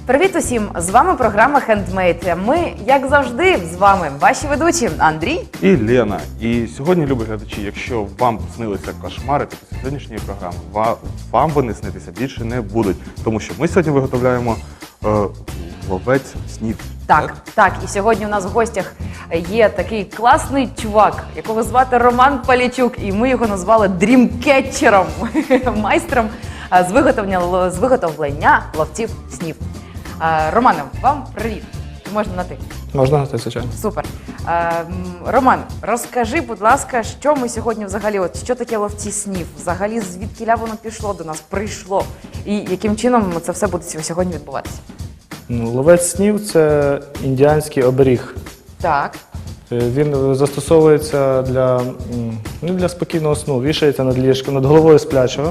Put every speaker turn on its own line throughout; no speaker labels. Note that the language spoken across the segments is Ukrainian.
Привіт усім! З вами програма «Хендмейд». Ми, як завжди, з вами ваші ведучі Андрій
і Лена. І сьогодні, любі глядачі, якщо вам снилися кошмари після сьогоднішньої програми, вам вони снитися більше не будуть. Тому що ми сьогодні виготовляємо ловець снів.
Так. І сьогодні у нас в гостях є такий класний чувак, якого звати Роман Палійчук. І ми його назвали дрімкетчером, майстром з виготовлення ловців снів. Романе, вам привіт. Можна на ти?
Можна на ти, звичайно.
Супер. Роман, розкажи, будь ласка, що ми сьогодні взагалі, що таке ловці снів? Взагалі, звідкіля воно пішло до нас, прийшло? І яким чином це все буде сьогодні відбуватися?
Ловець снів – це індіанський оберіг.
Так.
Він застосовується для спокійного сну, вішається над ліжком, над головою сплячого.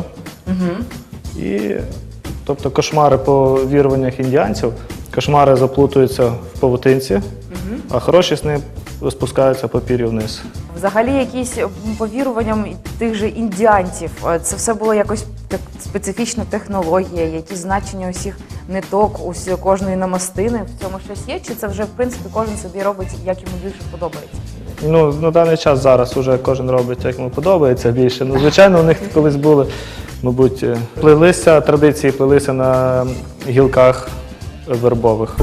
Тобто кошмари по віруваннях індіанців, кошмари заплутуються в павутинці, а хороші сни спускаються по пір'ю вниз.
Взагалі, якісь по віруванням тих же індіанців, це все було якось так специфічна технологія, якісь значення усіх ниток, кожної намастини, в цьому щось є? Чи це вже, в принципі, кожен собі робить, як йому більше подобається?
На даний час зараз вже кожен робить, як йому подобається більше. Звичайно, у них колись були, мабуть, традиції плелися на гілках вербових.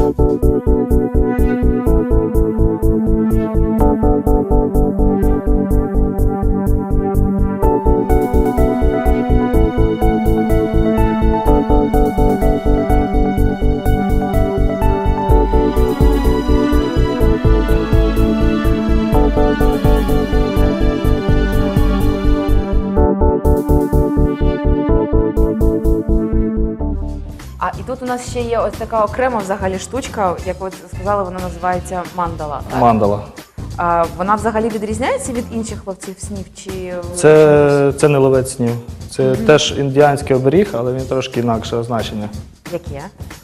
І тут у нас ще є ось така окрема взагалі штучка, як ви сказали, вона називається мандала. Так?
Мандала.
Вона взагалі відрізняється від інших ловців снів? Чи...
Це не ловець снів. Це теж індіанський оберіг, але він трошки інакше значення.
Яке?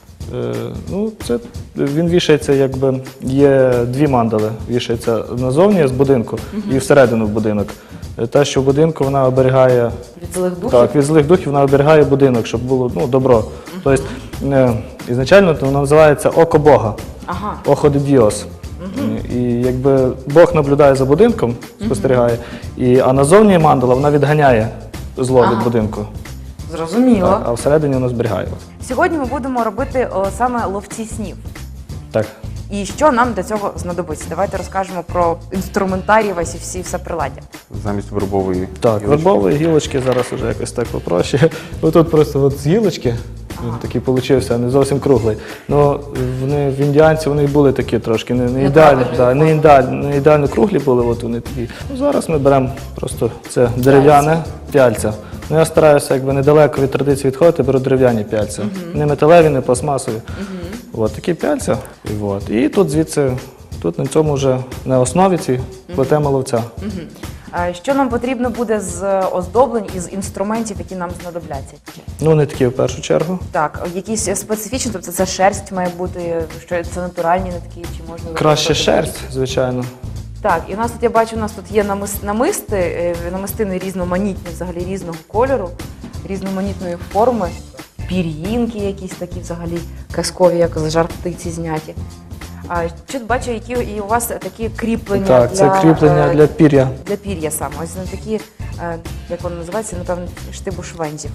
Він вішається, якби, є дві мандали. Вішається назовні з будинку і всередину в будинок. Та, що в будинку, вона оберігає...
Від злих духів? Так,
від злих духів вона оберігає будинок, щоб було добро. Тобто, ізначально вона називається «Око Бога», «Охо де Діос». І якби Бог наблюдає за будинком, спостерігає, а назовні мандала вона відганяє зло від будинку.
Зрозуміло.
А всередині вона зберігає.
Сьогодні ми будемо робити саме ловці снів.
Так.
І що нам для цього знадобиться? Давайте розкажемо про інструментарій весь і все приладдя.
Замість вербової
гілочки. Вербової гілочки зараз вже якось так попроще. Тут просто з гілочки, він такий получився, не зовсім круглий. В індіанців вони були такі трошки, не ідеально круглі були, вони такі. Зараз ми беремо просто це дерев'яне пяльця. Я стараюся недалеко від традиції відходити, беру дерев'яні пяльця. Не металеві, не пластмасові. Такі пяльця. І тут звідси, на цьому вже на основі ці плетемо ловця.
Що нам потрібно буде з оздоблень і з інструментів, які нам знадобляться?
Нитки в першу чергу.
Так, якісь специфічні, тобто це шерсть має бути, що це натуральні нитки, чи можна...
Краще шерсть, звичайно.
Так, і у нас тут, я бачу, у нас тут є намистини різноманітні, взагалі різного кольору, різноманітної форми, пір'їнки якісь такі взагалі казкові, як з жар птиці зняті. Що бачу, які і у вас такі кріплення для...
Так, це кріплення для пір'я.
Для пір'я саме. Ось такі, як вони називаються, напевно, штибу швензів.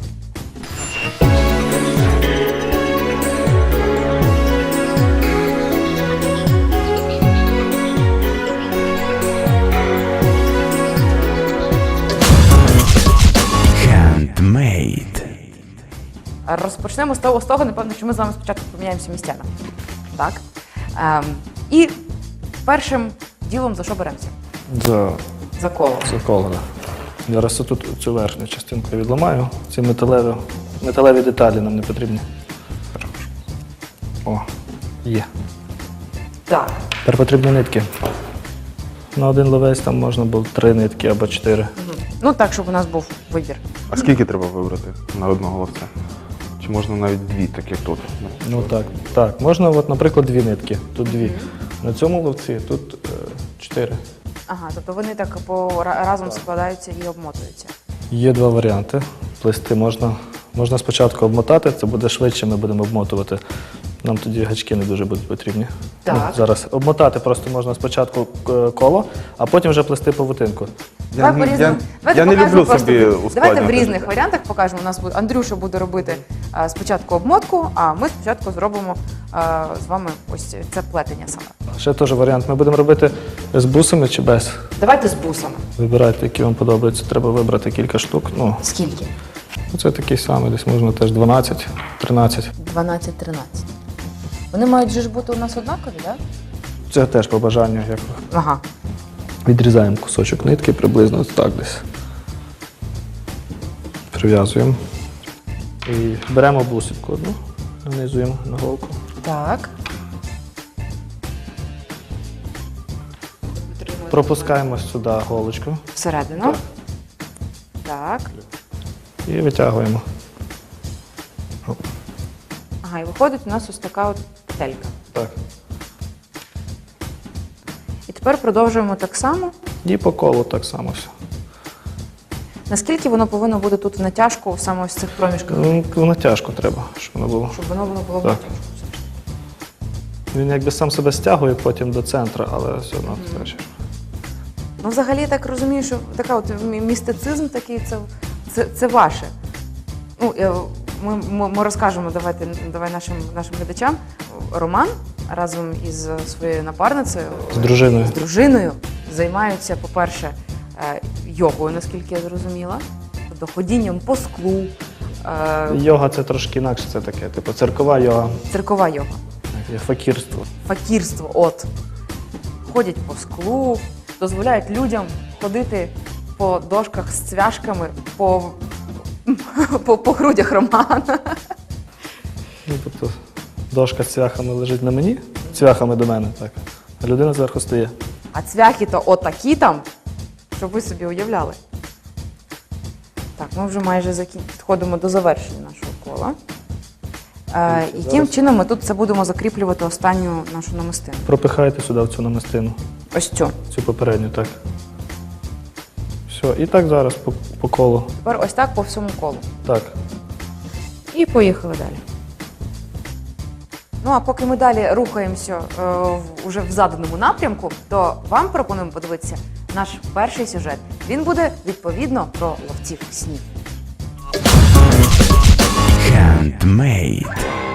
Розпочнемо з того, напевно, що ми з вами спочатку поміняємося місцями. Так. І першим ділом за що беремося? За коло.
За коло, так. Зараз тут цю верхню частинку я відламаю. Ці металеві деталі нам не потрібні. О, є.
Так.
Тепер потрібні нитки. На один ловець там можна було 3 нитки або 4.
Так, щоб у нас був вибір.
А скільки треба вибрати на одного ловця? Чи можна навіть 2, так як тут?
Так. Можна, наприклад, 2 нитки. Тут 2. На цьому ловці тут 4.
Тобто вони так разом складаються і обмотуються.
Є 2 варіанти. Плести можна спочатку обмотати, це буде швидше, ми будемо обмотувати. Нам тоді гачки не дуже будуть потрібні.
Так.
Ну, зараз обмотати просто можна спочатку коло, а потім вже плести павутинку.
Давай по-різному. Давайте
я не
покажемо
люблю
просто.
собі
Давайте
ускладнювати
в різних
життя.
варіантах покажемо. У нас буде Андрюша буде робити спочатку обмотку, а ми спочатку зробимо з вами ось це плетення саме.
Ще теж варіант. Ми будемо робити з бусами чи без.
Давайте з бусами.
Вибирайте, які вам подобаються. Треба вибрати кілька штук. Ну,
Скільки?
це такий самий, десь можна теж 12, 13.
12-13. Вони мають же ж бути у нас однакові, так?
Це теж по бажанню. Як
Ага.
відрізаємо кусочок нитки, приблизно ось так десь. Прив'язуємо. І беремо бусинку одну, нанизуємо на голку.
Так.
Пропускаємо сюди голочку
Всередину. Так.
і витягуємо.
Ага, і виходить у нас ось така от петелька.
Так.
І тепер продовжуємо так само.
І по колу так само все.
Наскільки воно повинно бути тут в натяжку саме ось в цих проміжках?
Ну, натяжку треба, щоб воно було.
Щоб воно було в
Так.
натяжку.
Він якби сам себе стягує потім до центру, але все одно теж.
Ну, взагалі, я так розумію, що така от містицизм такий, це ваше. Ну, ми розкажемо, давай нашим глядачам. Роман разом із своєю напарницею,
З дружиною.
з дружиною, займаються, по-перше, йогою, наскільки я зрозуміла, тобто ходінням по склу,
Йога це трошки інакше, це таке, типу церкова йога,
циркова йога,
є факірство.
факірство, от. Ходять по склу, дозволяють людям ходити по дошках з цвяшками по грудях Романа.
Ну, тобто дошка з цвяхами лежить на мені, цвяхами до мене, так. А людина зверху стоїть.
А цвяхи-то отакі там, щоб ви собі уявляли. Так, ми вже майже підходимо до завершення нашого кола. Яким чином ми тут це будемо закріплювати останню нашу намистину?
Пропихаєте сюди в цю намистину,
Ось цю.
цю попередню, так. Все, і так зараз по колу.
Тепер ось так по всьому колу.
Так.
І поїхали далі. Ну, а поки ми далі рухаємося уже в заданому напрямку, то вам пропонуємо подивитися наш перший сюжет. Він буде, відповідно, про ловців снів.
Handmade.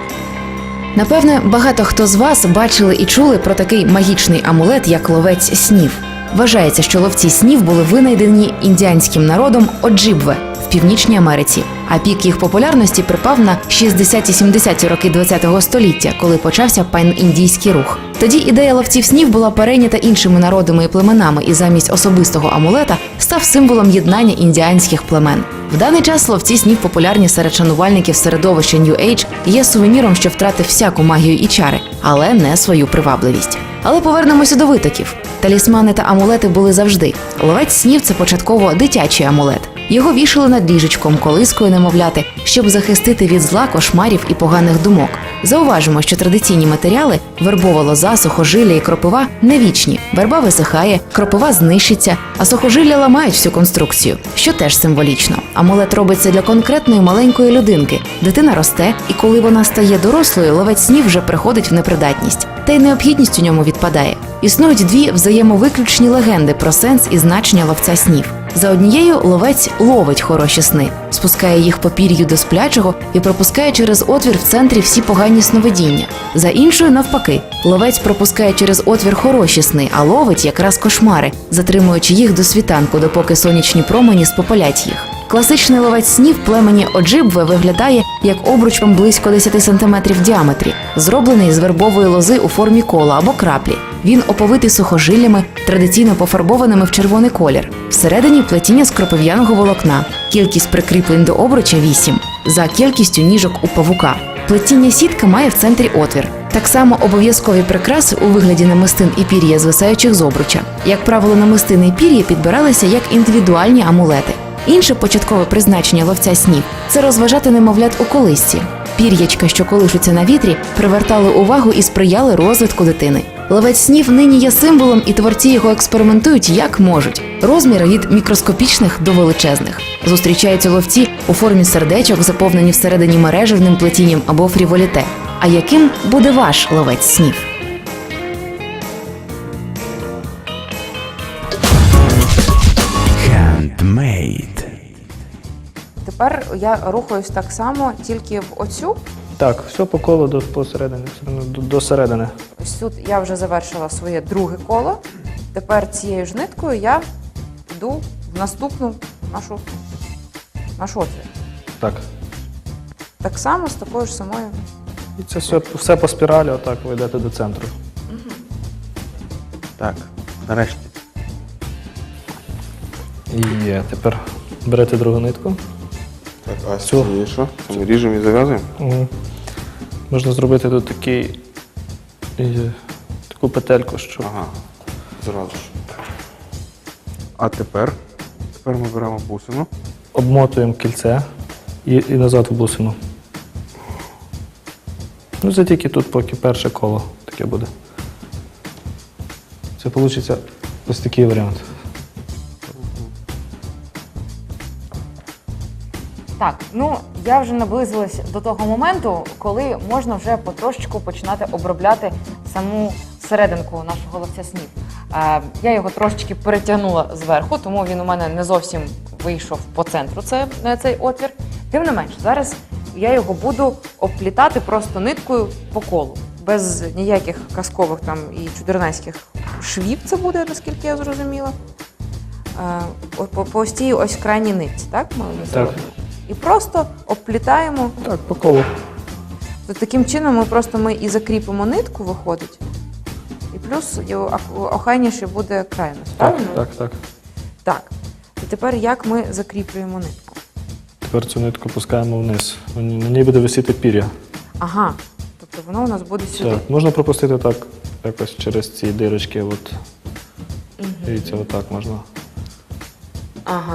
Напевне, багато хто з вас бачили і чули про такий магічний амулет, як ловець снів. Вважається, що ловці снів були винайдені індіанським народом Оджибве в Північній Америці. А пік їх популярності припав на 60-70-ті роки ХХ століття, коли почався пан-індійський рух. Тоді ідея ловців снів була перейнята іншими народами і племенами, і замість особистого амулета став символом єднання індіанських племен. В даний час ловці снів популярні серед шанувальників середовища New Age і є сувеніром, що втратив всяку магію і чари, але не свою привабливість. Але повернемося до витоків. Талісмани та амулети були завжди. Ловець снів – це початково дитячий амулет. Його вішали над ліжечком, колискою немовляти, щоб захистити від зла, кошмарів і поганих думок. Зауважимо, що традиційні матеріали – вербова лоза, сухожилля і кропива – не вічні. Верба висихає, кропива знищиться, а сухожилля ламають всю конструкцію, що теж символічно. Амулет робиться для конкретної маленької людинки. Дитина росте, і коли вона стає дорослою, ловець снів вже приходить в непридатність. Та й необхідність у ньому відпадає. Існують дві взаємовиключні легенди про сенс і значення ловця снів. За однією, ловець ловить хороші сни, спускає їх по пір'ю до сплячого і пропускає через отвір в центрі всі погані сновидіння. За іншою, навпаки, ловець пропускає через отвір хороші сни, а ловить якраз кошмари, затримуючи їх до світанку, допоки сонячні промені спопалять їх. Класичний ловець снів племені Оджибве виглядає як обруч близько 10 см в діаметрі, зроблений з вербової лози у формі кола або краплі. Він оповитий сухожиллями, традиційно пофарбованими в червоний колір. Всередині плетіння з кропив'яного волокна. Кількість прикріплень до обруча 8, за кількістю ніжок у павука. Плетіння сітка має в центрі отвір. Так само обов'язкові прикраси у вигляді намистин і пір'я, звисаючих з обруча. Як правило, намистини і пір'я підбиралися як індивідуальні амулети. Інше початкове призначення ловця снів – це розважати немовлят у колисці. Пір'ячка, що колишуться на вітрі, привертали увагу і сприяли розвитку дитини. Ловець снів нині є символом, і творці його експериментують як можуть. Розміри від мікроскопічних до величезних. Зустрічаються ловці у формі сердечок, заповнені всередині мережевним плетінням або фріволіте. А яким буде ваш ловець снів?
Handmade.
Тепер я рухаюсь так само, тільки в оцю.
Так, все по колу посередині, до середини.
Ось тут я вже завершила своє друге коло. Тепер цією ж ниткою я йду в наступну нашу отвір.
Так.
Так само з такою ж самою.
І це все по спіралі, отак ви йдете до центру.
Так, нарешті.
І є. Тепер берете другу нитку.
Так, а з
Цю.
цієї що? Це ми ріжемо і зав'язуємо?
Угу. Можна зробити тут таку петельку, що
Ага, зразу ж. А тепер ми беремо бусину.
обмотуємо кільце і назад в бусину. Ну, це тільки тут поки перше коло таке буде. Це вийде ось такий варіант.
Так, ну я вже наблизилась до того моменту, коли можна вже потрошечку починати обробляти саму серединку нашого ловця снів. Я його трошечки перетягнула зверху, тому він у мене не зовсім вийшов по центру, цей отвір. Тим не менш, зараз я його буду обплітати просто ниткою по колу. Без ніяких казкових там і чудернацьких швів це буде, наскільки я зрозуміла. По ось цій ось крайній нитці, так? Ми її зробимо? І просто обплітаємо.
Так, по колу.
То таким чином ми і закріпимо нитку, виходить. І плюс охайніше буде край у нас, правильно?
Так.
Так. І тепер як ми закріплюємо нитку?
Тепер цю нитку пускаємо вниз. На ній буде висіти пір'я.
Ага. Тобто воно у нас буде сюди.
Так, можна пропустити так, якось через ці дирочки. От. Дивіться, отак можна.
Ага.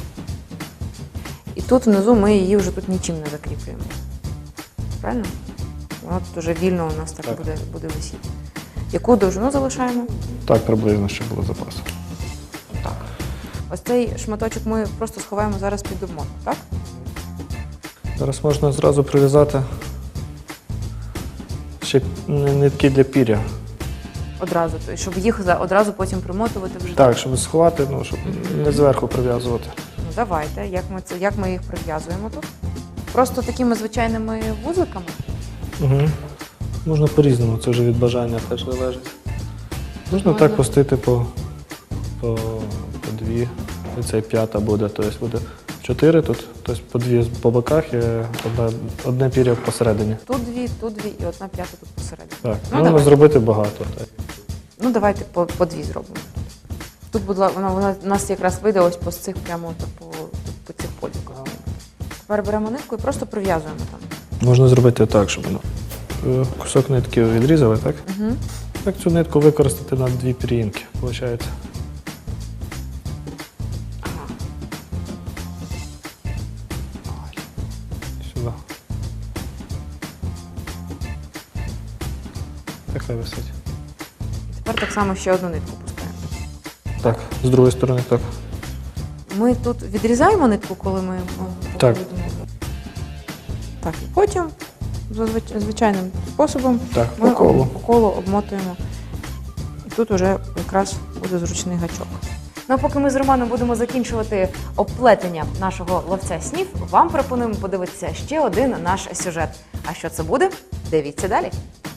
І тут внизу ми її вже тут нічим не закріплюємо. Правильно? Вона тут вже вільно у нас так. Буде висіти. Яку довжину залишаємо?
Так, приблизно, щоб було запасу.
Так. Ось цей шматочок ми просто сховаємо зараз під обмотку, так?
Зараз можна зразу прив'язати ще нитки для пір'я.
Одразу, щоб їх одразу потім примотувати вже.
Так, щоб сховати, щоб не зверху прив'язувати.
Ну давайте, як ми їх прив'язуємо тут? Просто такими звичайними вузликами?
Угу. Можна по-різному, це вже від бажання теж залежить. Можна так пустити по дві. І це п'ята буде, тобто буде 4 тут, тобто по дві по боках і одне пір'я посередині.
Тут дві і одна п'ята тут посередині.
Так,
Ну,
можна зробити багато. Так.
Ну давайте по дві зробимо. Тут вона у нас якраз вийде ось по цих прямо по цих поділках. Тепер беремо нитку і просто прив'язуємо там.
Можна зробити так, щоб кусок нитки відрізали, так?
Угу.
Так цю нитку використати на дві пір'їнки, виходить. Сюди. Так хай висить.
Тепер так само ще одну нитку пускаємо.
Так, з другої сторони так.
Ми тут відрізаємо нитку, коли ми
Так.
Так, і потім за звичайним способом
Так,
ми
по колу.
обмотуємо. І тут вже якраз буде зручний гачок. Ну, а поки ми з Романом будемо закінчувати обплетення нашого ловця снів, вам пропонуємо подивитися ще один наш сюжет. А що це буде? Дивіться далі.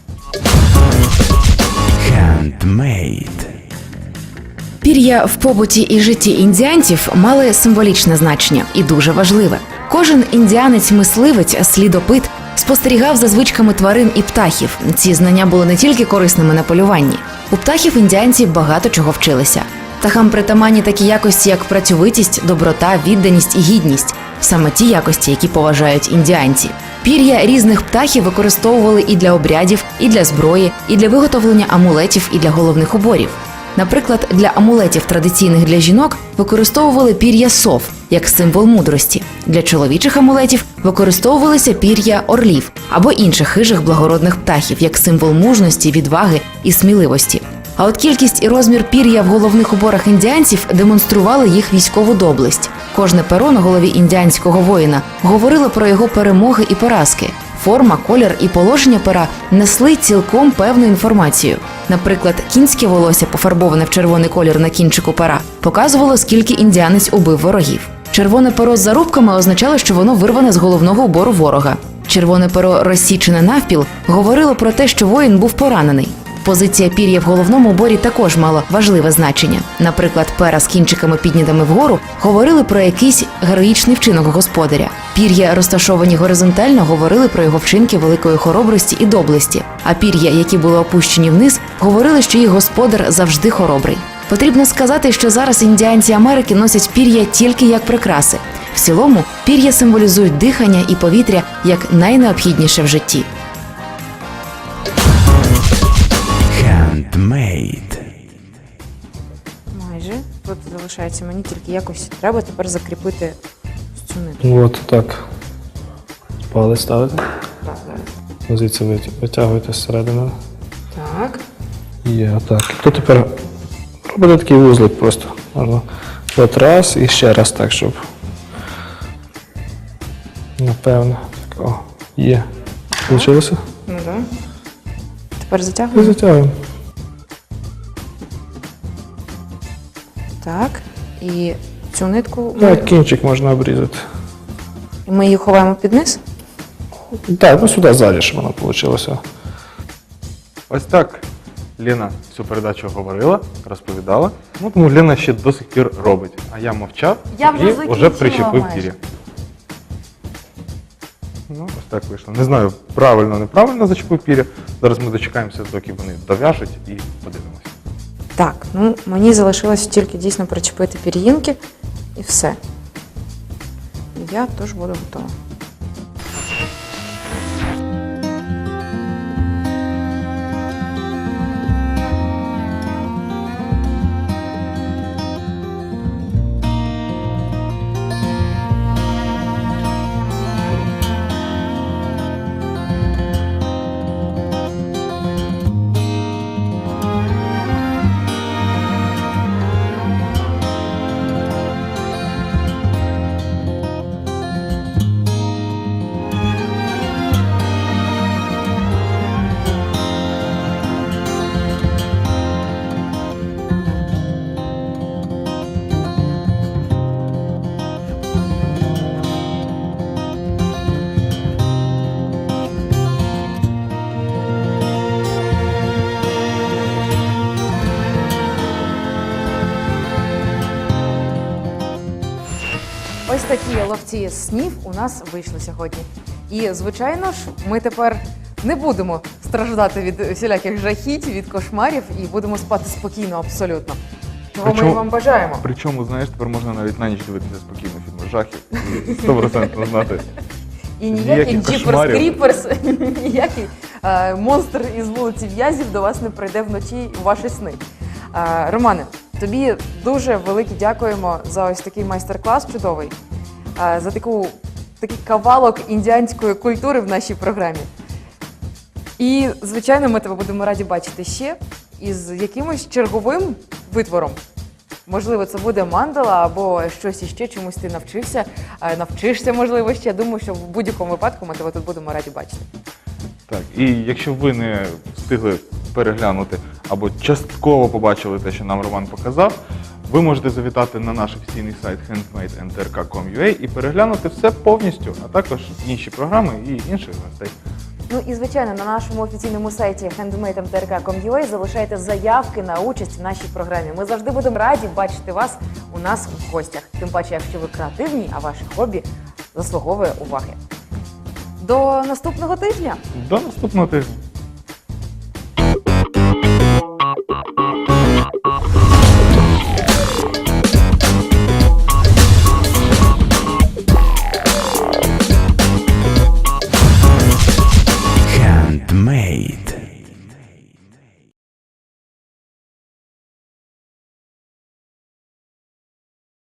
Handmade.
Пір'я в побуті і житті індіанців мали символічне значення і дуже важливе. Кожен індіанець-мисливець, слідопит спостерігав за звичками тварин і птахів. Ці знання були не тільки корисними на полюванні. У птахів індіанці багато чого вчилися. Птахам притаманні такі якості, як працьовитість, доброта, відданість і гідність. Саме ті якості, які поважають індіанці. Пір'я різних птахів використовували і для обрядів, і для зброї, і для виготовлення амулетів, і для головних уборів. Наприклад, для амулетів, традиційних для жінок, використовували пір'я сов, як символ мудрості. Для чоловічих амулетів використовувалися пір'я орлів або інших хижих благородних птахів, як символ мужності, відваги і сміливості. А от кількість і розмір пір'я в головних уборах індіанців демонстрували їх військову доблесть. Кожне перо на голові індіанського воїна говорило про його перемоги і поразки. форма, колір і положення пера несли цілком певну інформацію. Наприклад, кінське волосся, пофарбоване в червоний колір на кінчику пера, показувало, скільки індіанець убив ворогів. Червоне перо з зарубками означало, що воно вирване з головного убору ворога. Червоне перо, розсічене навпіл, говорило про те, що воїн був поранений. Позиція пір'я в головному уборі також мала важливе значення. Наприклад, пера з кінчиками піднятими вгору говорили про якийсь героїчний вчинок господаря. Пір'я, розташовані горизонтально, говорили про його вчинки великої хоробрості і доблесті. А пір'я, які були опущені вниз, говорили, що їх господар завжди хоробрий. Потрібно сказати, що зараз індіанці Америки носять пір'я тільки як прикраси. В цілому, пір'я символізують дихання і повітря як найнеобхідніше в житті.
Handmade.
Майже. Тут залишається мені тільки якось треба тепер закріпити цю нитку.
От так. Палець ставите.
Так, зараз.
Звідси витягуєте зсередини.
Так.
Є, отак. Тут тепер робите такий вузлик просто. Можна от раз і ще раз так, щоб. Напевно. Так, о, є. Получилося?
Ну так. Тепер
І
затягуємо.
затягуємо.
Так. І цю нитку
Так, кінчик можна обрізати.
ми її ховаємо під низ.
Так, ну сюди ззаді, щоб воно вийшло.
Ось так Лена всю передачу говорила, розповідала. Ну, тому Лена ще до сих пір робить. А я мовчав
Я вже
і
закінчила
вже причепив
майже.
пір'я. Ну, ось так вийшло. Не знаю, правильно, неправильно зачепив пір'я. Зараз ми дочекаємося, доки вони дов'яжуть і подивимося.
Так, ну мені залишилось тільки дійсно причепити пір'їнки і все. І я теж буду готова. Ось такі ловці снів у нас вийшли сьогодні. І, звичайно ж, ми тепер не будемо страждати від всіляких жахіть, від кошмарів і будемо спати спокійно абсолютно. Чого ми і вам бажаємо.
Причому, знаєш, тепер можна навіть на ніч дивитися спокійно фільми жахів і 100% знати.
І ніякий
Ніяких
Джіперс
кошмарів.
Кріперс, ніякий монстр із вулиці В'язів до вас не прийде вночі у ваші сни. Романе, тобі дуже велике дякуємо за ось такий майстер-клас чудовий, за такий кавалок індіанської культури в нашій програмі. І, звичайно, ми тебе будемо раді бачити ще із якимось черговим витвором. Можливо, це буде мандала або щось іще, чомусь ти навчишся, можливо, ще. Думаю, що в будь-якому випадку ми тебе тут будемо раді бачити.
Так, і якщо ви не встигли переглянути або частково побачили те, що нам Роман показав, ви можете завітати на наш офіційний сайт handmade.mtrk.com.ua і переглянути все повністю, а також інші програми і інших гостей.
Ну і, звичайно, на нашому офіційному сайті handmade.mtrk.com.ua залишайте заявки на участь в нашій програмі. Ми завжди будемо раді бачити вас у нас в гостях. Тим паче, якщо ви креативні, а ваше хобі заслуговує уваги. До наступного тижня!
До наступного тижня!